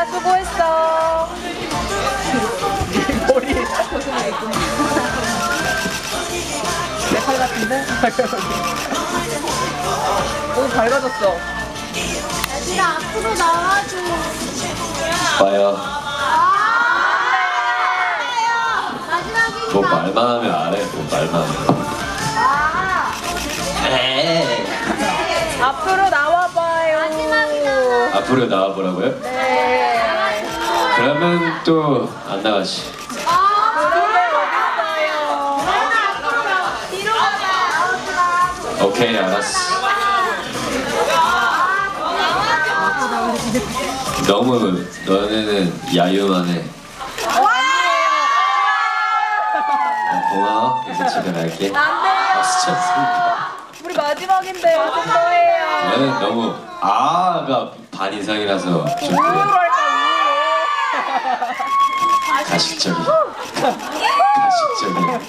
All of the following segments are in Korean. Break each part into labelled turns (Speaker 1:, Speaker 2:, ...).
Speaker 1: 얘들아 수고했어. 머리 내 팔 같은데? 오 밝아졌어.
Speaker 2: 얘들아 앞으로 나와줘.
Speaker 3: 봐요.
Speaker 2: 마지막이니까.
Speaker 3: 뭐 말만 하면 안 해. 뭐 말만 하면. 에이.
Speaker 1: 앞으로 나와봐요.
Speaker 3: 앞으로 나와보라고요?
Speaker 1: 네.
Speaker 3: 그러면 또 안 나가지.
Speaker 1: 그러게 어딨어요.
Speaker 2: 뒤로 가봐.
Speaker 3: 오케이, 알았어. 너무 너네는 야유만해. 고마워. 이제 집에 갈게. 박수 쳤습니다.
Speaker 1: 우리 마지막인데 어쩔 거예요.
Speaker 3: 너는 너무 아가 반 이상이라서 좀
Speaker 1: 우유로
Speaker 3: 그래.
Speaker 1: 할까
Speaker 3: 가식적이. 가식적이.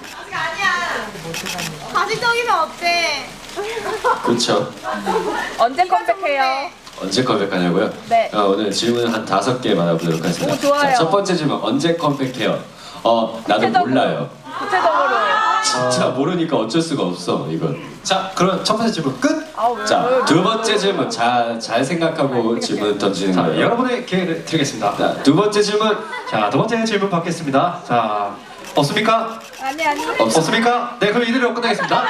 Speaker 2: 가식적이면 어때?
Speaker 3: 그렇죠.
Speaker 1: 우유? 언제 컴백해요?
Speaker 3: 언제 컴백하냐고요?
Speaker 1: 네.
Speaker 3: 오늘 질문 한 5개 받아보도록 하겠습니다.
Speaker 1: 오, 좋아요.
Speaker 3: 자, 첫 번째 질문 언제 컴백해요? 나도
Speaker 1: 구체적으로.
Speaker 3: 몰라요.
Speaker 1: 구체적으로.
Speaker 3: 진짜 모르니까 어쩔 수가 없어 이건.
Speaker 4: 자, 그럼 첫 번째 질문 끝.
Speaker 1: 아 왜?
Speaker 3: 자, 두 번째 질문 잘 생각하고 질문 던지는
Speaker 4: 자,
Speaker 3: 거예요.
Speaker 4: 여러분의 기회를 드리겠습니다.
Speaker 3: 자, 두 번째 질문
Speaker 4: 자, 두 번째 질문 받겠습니다. 자, 없습니까?
Speaker 1: 아니.
Speaker 4: 없습니까? 네, 그럼 이대로 끝내겠습니다.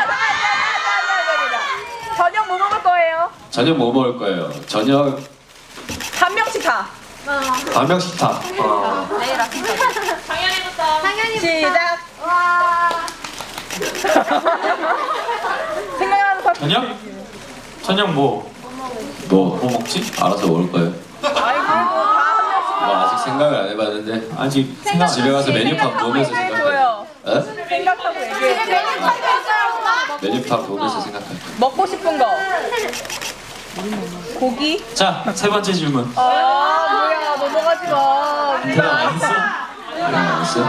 Speaker 1: 저녁 뭐 먹을 거예요?
Speaker 3: 저녁 뭐 먹을 거예요? 저녁
Speaker 1: 한 명씩 다.
Speaker 4: 한 명씩 다.
Speaker 1: 내일 아침
Speaker 2: 당연히
Speaker 1: 시작.
Speaker 2: 와.
Speaker 1: 생각나는 거.
Speaker 5: 저녁 뭐 먹지?
Speaker 3: 알아서 먹을 거예요.
Speaker 1: 아이고 다한 명씩.
Speaker 3: 뭐 아직 생각을 안 해봤는데
Speaker 5: 아직
Speaker 3: 집에 가서 메뉴판 보면서 생각해.
Speaker 1: 얘기해줘요.
Speaker 3: 어?
Speaker 1: 생각하고 얘기해.
Speaker 3: 메뉴판 보면서 생각해.
Speaker 1: 먹고 싶은 거. 고기?
Speaker 5: 자, 세 번째 질문.
Speaker 1: 아 뭐야 넘어가지 마.
Speaker 5: 대답 안 했어?
Speaker 3: 알았어?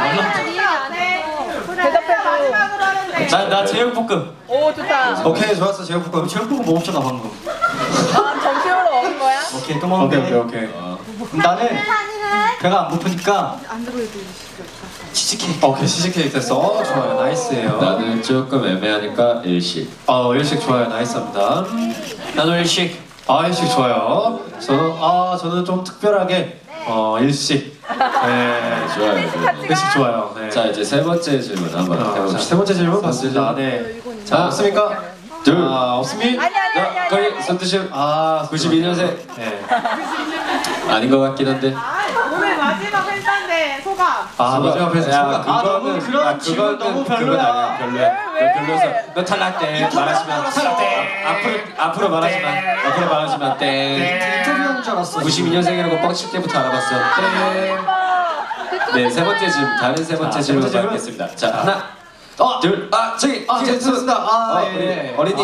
Speaker 1: 대답해줘.
Speaker 5: 나 제육볶음.
Speaker 1: 오 좋다.
Speaker 4: 오케이, 좋았어. 제육볶음. 제육볶음 먹었잖아 방금.
Speaker 1: 아 점심으로 먹은 거야?
Speaker 4: 오케이, 또 먹을게. 오케이. 나는 배가 안 고프니까 치즈케이크. 오케이, 치즈케이크 됐어. 좋아요. 나이스예요.
Speaker 3: 나는 조금 애매하니까 일식.
Speaker 4: 일식 좋아요. 나이스합니다.
Speaker 5: 나도 일식.
Speaker 4: 일식 좋아요. 저는 좀 특별하게 일식. 네,
Speaker 3: 좋아요.
Speaker 4: 일식 좋아요. 네.
Speaker 3: 자 이제 세 번째 질문 한번
Speaker 4: 자,
Speaker 3: 해봅시다.
Speaker 4: 세 번째 질문 받습니다. 네. 자, 없습니까?
Speaker 3: 둘.
Speaker 4: 없습니?
Speaker 1: 아니.
Speaker 3: 거의 손드심 92년생
Speaker 4: 네.
Speaker 3: 아닌 것 같긴 한데.
Speaker 6: 오늘 마지막 회사인데 소감.
Speaker 4: 마지막 회사
Speaker 3: 야,
Speaker 4: 소감. 너무 그런 질문 너무 별로야.
Speaker 3: 별로야. 너 별로여서 너 탈락돼. 말하지만 앞으로 말하지만 앞으로 말하지만 땡.
Speaker 4: 인터뷰한 줄 알았어.
Speaker 3: 92년생이라고 뻥칠 때부터 알아봤어. 땡. 네, 세 번째 질문. 다른 세 번째
Speaker 4: 자, 세
Speaker 3: 질문
Speaker 4: 번째 질문.
Speaker 3: 받겠습니다. 자, 하나, 둘, 저기
Speaker 4: 됐습니다.
Speaker 3: 우리 어린이.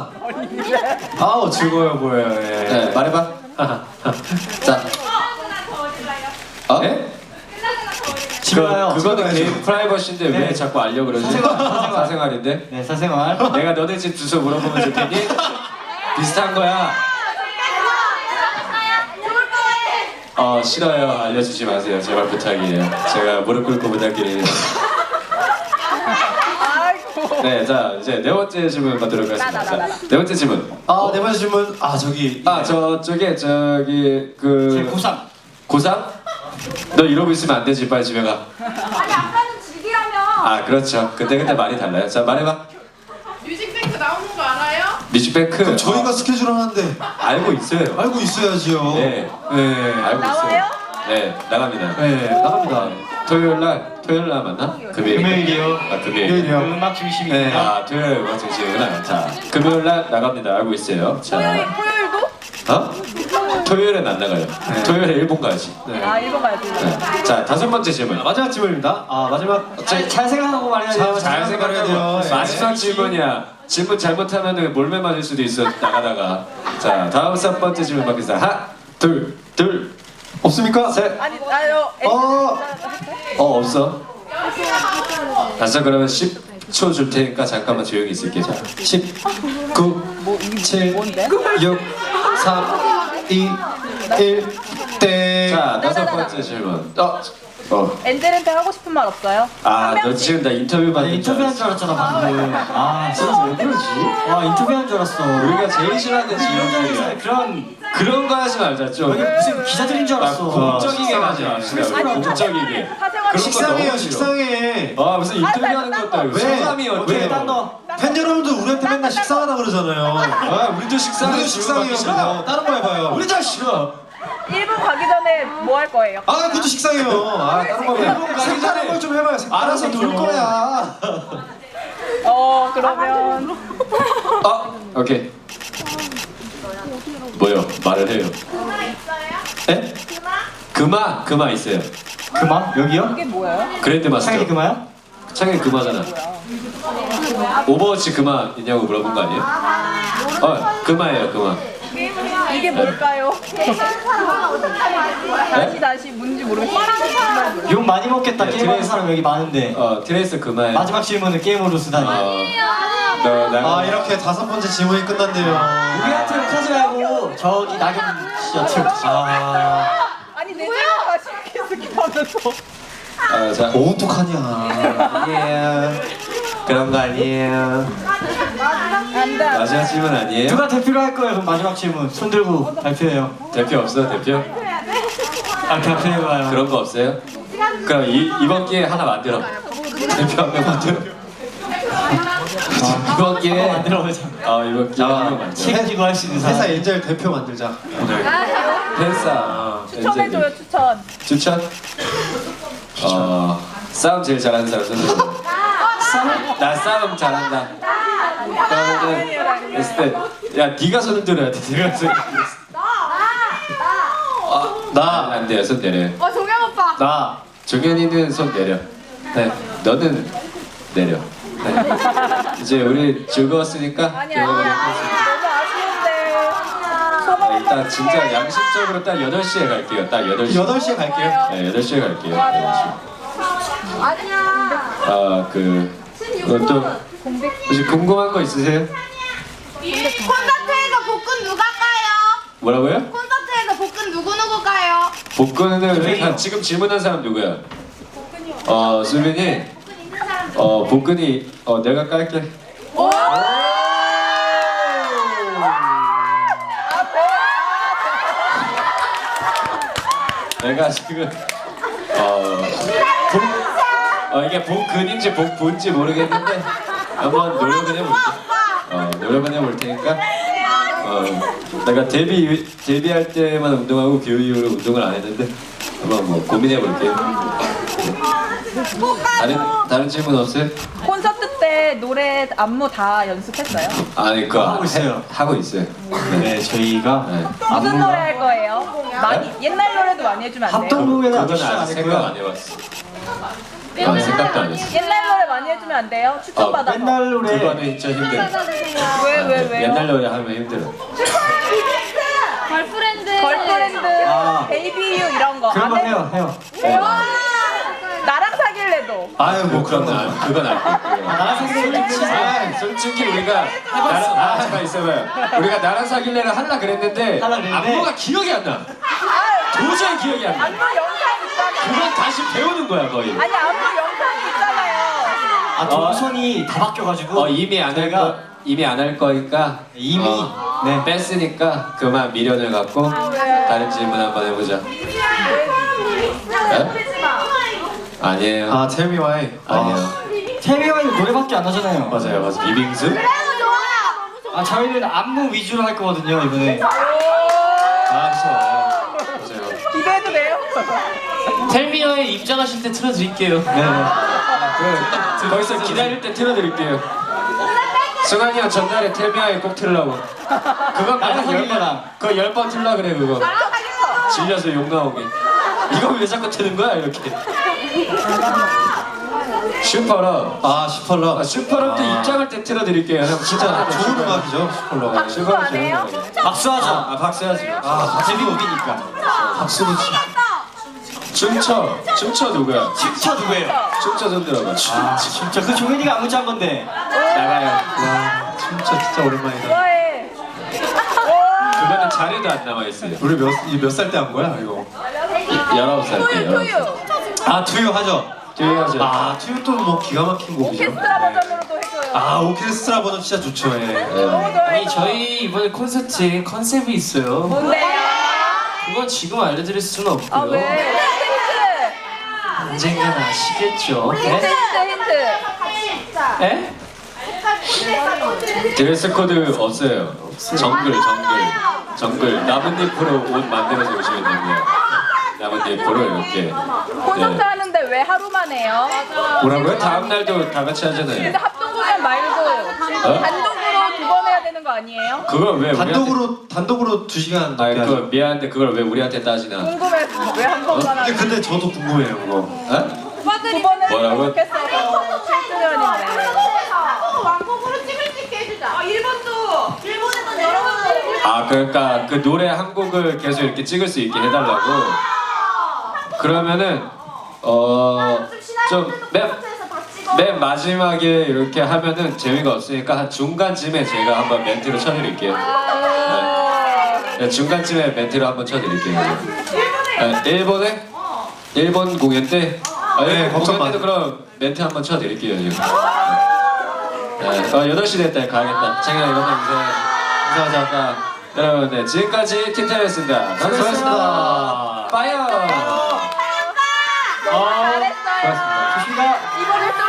Speaker 4: 즐거워 보여요.
Speaker 3: 네, 말해봐. 자,
Speaker 4: 네? 집에 가요.
Speaker 3: 그거는
Speaker 4: 집에
Speaker 3: 개인
Speaker 4: 가야죠.
Speaker 3: 프라이버시인데 왜
Speaker 4: 네.
Speaker 3: 자꾸 알려 그러지? 사생활인데.
Speaker 4: 네, 사생활.
Speaker 3: 내가 너네 집 주소 물어보면 줄 테니 비슷한 거야. 싫어요. 알려주지 마세요. 제발 부탁이에요. 제가 무릎 꿇고 부탁드립니다.
Speaker 1: 아이고.
Speaker 3: 네, 자 이제 네 번째 질문 받도록 하겠습니다. 자, 네 번째 질문.
Speaker 4: 네 번째 질문. 저기.
Speaker 3: 저기
Speaker 4: 제
Speaker 3: 그
Speaker 4: 고3.
Speaker 3: 고3? 너 이러고 있으면 안 되지. 빨리 집에 가.
Speaker 2: 아니 아까는 즐기라며.
Speaker 3: 그렇죠. 그때 말이 달라요. 자 말해봐.
Speaker 6: 뮤직뱅크 나오는 거 알아요?
Speaker 3: 뮤직뱅크.
Speaker 4: 저희가 스케줄 하는데
Speaker 3: 알고 있어요.
Speaker 4: 알고 있어야지요.
Speaker 3: 네.
Speaker 4: 네.
Speaker 3: 알고
Speaker 1: 나와요?
Speaker 3: 있어요. 네, 나갑니다.
Speaker 4: 네, 나갑니다.
Speaker 3: 토요일 날 맞나?
Speaker 4: 금요일이요.
Speaker 3: 금요일.
Speaker 4: 금요일이요.
Speaker 5: 음악 중심입니다.
Speaker 4: 네.
Speaker 3: 토요일 음악 중심이구나. 자, 금요일 날 나갑니다. 알고 있어요. 자,
Speaker 1: 토요일도?
Speaker 3: 토요일은 안 나가요. 토요일에 일본 가야지.
Speaker 4: 네.
Speaker 1: 일본 가야지.
Speaker 3: 네. 자, 다섯 번째 질문.
Speaker 4: 마지막 질문입니다. 마지막.
Speaker 5: 잘 생각하고 말해야 돼요.
Speaker 3: 잘 생각해야 돼요. 마지막 질문이야. 질문 잘못하면은 몰매 맞을 수도 있어. 나가다가. 자, 다음 첫 번째 질문 받겠습니다. 하나, 둘,
Speaker 4: 없습니까?
Speaker 3: 셋.
Speaker 1: 아니요.
Speaker 3: 없어. 다시 그러면 10초 줄 테니까 잠깐만 조용히 있을게. 자,
Speaker 4: 10, 9, 7, 6, 3, 2, 1, 땡.
Speaker 3: 자, 다섯 번째 질문.
Speaker 1: 엔젤한테 하고 싶은 말 없어요?
Speaker 3: 아, 너 지금 나 인터뷰 받는
Speaker 4: 인터뷰한 줄 알았잖아 방금. 아 진짜 왜 그러지? 와 인터뷰한 줄 알았어.
Speaker 3: 우리가 제일 싫어하는 질문이야. 그런 거 하지 말자 좀.
Speaker 4: 여기 무슨 기자들인 줄 알았어.
Speaker 3: 공적이게 하지 맙시다. 공적이게.
Speaker 7: 식상해요, 식상해.
Speaker 3: 아 무슨 인터뷰하는 것도 아니고
Speaker 7: 왜?
Speaker 3: 소감이
Speaker 4: 오케이
Speaker 3: 어때요?
Speaker 4: 딴 거.
Speaker 7: 팬 여러분들 우리한테 맨날 식상하다 그러잖아요.
Speaker 3: 아 우리도 식상해.
Speaker 7: 우리도 식상해요. 뭐 다른 거 해봐요.
Speaker 3: 우리 다 싫어.
Speaker 1: 1분 가기 전에 뭐 할 거예요?
Speaker 7: 아, 그것도 식상해요. 아, 다른 거 해봐요. 색다른 걸 좀 해봐요.
Speaker 3: 알아서 놀 거야.
Speaker 1: 그러면
Speaker 3: 오케이. 뭐요? 말을 해요. 에? 금화 있어요.
Speaker 4: 그마? 여기요?
Speaker 1: 그게 뭐예요?
Speaker 3: 그랜드 마스터.
Speaker 4: 창이 그마야?
Speaker 3: 창이 금화잖아. 오버워치 금화 있냐고 물어본 거 아니에요? 금화예요, 금화.
Speaker 1: 이게 뭘까요? 다시 뭔지 모르겠어요.
Speaker 4: 욕 많이 먹겠다.
Speaker 3: 네,
Speaker 4: 게임하는
Speaker 3: 트레이스.
Speaker 4: 사람 여기 많은데.
Speaker 3: 트레이스 금화예요.
Speaker 4: 마지막 질문은 게임으로 쓰다니.
Speaker 7: 아, 이렇게 다섯 번째 질문이 끝났네요.
Speaker 4: 우리한테 욕하지 말고 저기 낙엽 씨한테 욕하지.
Speaker 1: 아니 내 생각 다시 스킵하면서
Speaker 3: 자,
Speaker 7: 뭐 어떡하냐.
Speaker 3: 아니에요. 그런 거 아니에요.
Speaker 1: 안돼
Speaker 3: 마지막 질문 아니에요?
Speaker 4: 누가 대표로 할 거예요? 그럼 마지막 질문. 손 들고 발표해요.
Speaker 3: 대표 없어, 대표?
Speaker 4: 아 발표해봐요.
Speaker 3: 그런 거 없어요? 그럼 이번 기회에 하나 만들어. 대표 한 명 만들어. 이번 기회에
Speaker 4: 만들어보자.
Speaker 3: 이번 기회에 한 명 만들어.
Speaker 4: 책임지고 할 수 있는 사람.
Speaker 7: 회사 엔젤 대표 만들자.
Speaker 3: 팬싸.
Speaker 1: 추천해줘요 추천.
Speaker 3: 추천? 싸움 제일 잘하는 사람 손 들어. 나 싸움 잘한다. 그러면은 했을 때, 야 네가 손을 들어야 돼. 네가 손을 들어.
Speaker 7: 나.
Speaker 3: 안 돼요. 손 내려.
Speaker 2: 종현 오빠.
Speaker 7: 나.
Speaker 3: 종현이는 손 내려. 네. 너는 내려. 네. 이제 우리 즐거웠으니까.
Speaker 1: 아니야 너무 아쉬운데. 소감
Speaker 3: 일단 진짜 양심적으로 딱 8시에 갈게요. 딱 8시.
Speaker 7: 8시에 갈게요.
Speaker 3: 네, 8시에 갈게요. 8시.
Speaker 2: 아니야.
Speaker 3: 또 혹시 궁금한 거 있으세요?
Speaker 2: 콘서트에서 복근 누가 까요?
Speaker 3: 뭐라고요?
Speaker 2: 콘서트에서 복근 누구 까요?
Speaker 3: 복근은 지금 질문한 사람 누구야? 수빈이 복근이 내가 깔게. 내가 지금 이게 복근인지 복부인지 모르겠는데 한번 노력은 해볼게. 노력은 해볼 테니까. 내가 데뷔할 때만 운동하고 그 이후로 운동을 안 했는데 한번 뭐 고민해 볼게요. 다른 질문 없어요?
Speaker 1: 콘서트 때 노래 안무 다 연습했어요?
Speaker 3: 아니 그거
Speaker 4: 하고 있어요.
Speaker 3: 하고 있어요.
Speaker 4: 네 저희가
Speaker 3: 네.
Speaker 1: 무슨 노래 할 거예요? 많이 옛날 노래도 많이 해주면 안 돼요?
Speaker 4: 합동공연은 아직
Speaker 3: 그건
Speaker 4: 시작 안
Speaker 3: 아직 생각 안
Speaker 4: 했고요.
Speaker 3: 해봤어. 생각도 안 했어.
Speaker 1: 옛날 노래 많이 해주면 안 돼요? 추천받아서.
Speaker 4: 옛날 노래.
Speaker 3: 그거는 진짜 힘들어.
Speaker 1: 왜요?
Speaker 3: 옛날 노래 하면 힘들어.
Speaker 2: 걸프렌드.
Speaker 1: 걸프렌드,
Speaker 4: 아.
Speaker 1: 베이비 유 이런 거.
Speaker 4: 그런 거
Speaker 1: 안 해?
Speaker 4: 해요.
Speaker 1: 나랑 사귈래도.
Speaker 3: 아유 뭐 그건 안 돼.
Speaker 4: 나랑 사귀는
Speaker 3: 솔직히 우리가 나랑 잠깐 있어봐요. 우리가 나랑 사귈래를 하려 그랬는데
Speaker 4: 하려 그랬는데
Speaker 3: 안무가 기억이 안 나. 도저히 기억이 안 나.
Speaker 1: 안무 영상 있잖아요.
Speaker 3: 그건 다시 배우는 거야 거의.
Speaker 1: 아니 안무 영상 있잖아요.
Speaker 4: 동선이 다 바뀌어가지고
Speaker 3: 이미 안 할 거니까
Speaker 4: 이미
Speaker 3: 네 뺐으니까 그만 미련을 갖고 다른 질문 한번 해보자. 네? 아니에요.
Speaker 7: 아, tell me why.
Speaker 3: 아니에요.
Speaker 4: 태미와는 노래밖에 안 하잖아요.
Speaker 3: 맞아요. 비빙수?
Speaker 4: 아 저희는 안무 위주로 할 거거든요 이번에.
Speaker 3: 맞아요.
Speaker 1: 기대해도 돼요?
Speaker 5: 텔미어에 입장하실 때 틀어드릴게요.
Speaker 3: 거기서 기다릴 때 틀어드릴게요. 승환이 형 전날에 텔미아에 꼭 틀라고. 그거
Speaker 4: 나랑 사귈래랑.
Speaker 3: 그거 10번 틀라 그래 그거. 질려서 욕 나오게. 이거 왜 자꾸 트는 거야 이렇게. 슈퍼럽.
Speaker 7: 아, 슈퍼러.
Speaker 3: 슈퍼럽도 입장할 때 틀어드릴게요. 형 진짜
Speaker 7: 좋은 음악이죠, 슈퍼러.
Speaker 1: 박수 안 해요?
Speaker 4: 박수하자.
Speaker 3: 박수 하지.
Speaker 4: 데뷔곡이니까.
Speaker 7: 박수는
Speaker 3: 춤춰 누구야?
Speaker 4: 춤춰 누구예요?
Speaker 3: 춤춰 손 들어봐.
Speaker 4: 아 진짜 그 종현이가 안무 짠 건데.
Speaker 3: 나가요.
Speaker 7: 와, 진짜 오랜만이다.
Speaker 1: 좋아해.
Speaker 3: 그거는 자료도 안 남아 있어요.
Speaker 7: 우리 몇 살 때 한 거야, 이거?
Speaker 3: 19살 때.
Speaker 1: 투유.
Speaker 7: 아 투유 하죠.
Speaker 3: 투유하죠.
Speaker 7: 아 투유 또 뭐 기가 막힌 곡이죠.
Speaker 1: 오케스트라 버전으로도 해줘요.
Speaker 7: 아 오케스트라 버전 진짜 좋죠. 예.
Speaker 1: 너무 좋아요.
Speaker 5: 아니 저희 이번에 콘서트에 컨셉이 있어요.
Speaker 1: 뭔데요?
Speaker 5: 그건 지금 알려드릴 수는 없고요.
Speaker 1: 아 왜? 힌트.
Speaker 5: 언젠간 아시겠죠.
Speaker 1: 힌트
Speaker 5: 네?
Speaker 1: 힌트.
Speaker 5: 에?
Speaker 3: 드레스 코드 없어요. 정글 나뭇잎으로 옷 만들어서 오시면 됩니다. 나뭇잎으로 이렇게.
Speaker 1: 콘서트 하는데 왜 하루만 해요?
Speaker 3: 뭐라고요? 다음 날도 다 같이
Speaker 1: 근데
Speaker 3: 하잖아요.
Speaker 1: 합동 공연 말고 단독으로 2번 해야 되는 거 아니에요?
Speaker 3: 그걸 왜
Speaker 7: 단독으로 2시간
Speaker 3: 아니
Speaker 7: 넘게 하죠.
Speaker 3: 그 미안한데 그걸 왜 우리한테 따지나?
Speaker 1: 궁금해서 왜 한 번만 하는
Speaker 7: 근데 저도 궁금해요 그거.
Speaker 3: 어?
Speaker 1: 2번은
Speaker 3: 뭐라고?
Speaker 1: 좋겠어서 7주년인데
Speaker 2: 왕복으로 찍을 수 있게 해주자.
Speaker 6: 일본도
Speaker 3: 아 그러니까 그 노래 한 곡을 계속 이렇게 찍을 수 있게 해달라고. 그러면은 좀 맨 마지막에 이렇게 하면은 재미가 없으니까 한 중간쯤에 제가 한번 멘트를 쳐드릴게요. 네, 중간쯤에 멘트를 한번 쳐드릴게요. 일본에? 일본 공연 때?
Speaker 7: 네,
Speaker 3: 일본
Speaker 7: 걱정
Speaker 3: 공연 때도
Speaker 7: 마.
Speaker 3: 그럼 멘트 한번 쳐드릴게요 지금. 네, 8시 됐다 가야겠다. 창현아 이거는 인사하자. 여러분 네, 지금까지 틴타였습니다.
Speaker 7: 수고하셨습니다.
Speaker 3: 파이어!
Speaker 1: 너무 잘했어요.
Speaker 3: 고맙습니다.
Speaker 1: 이번에 또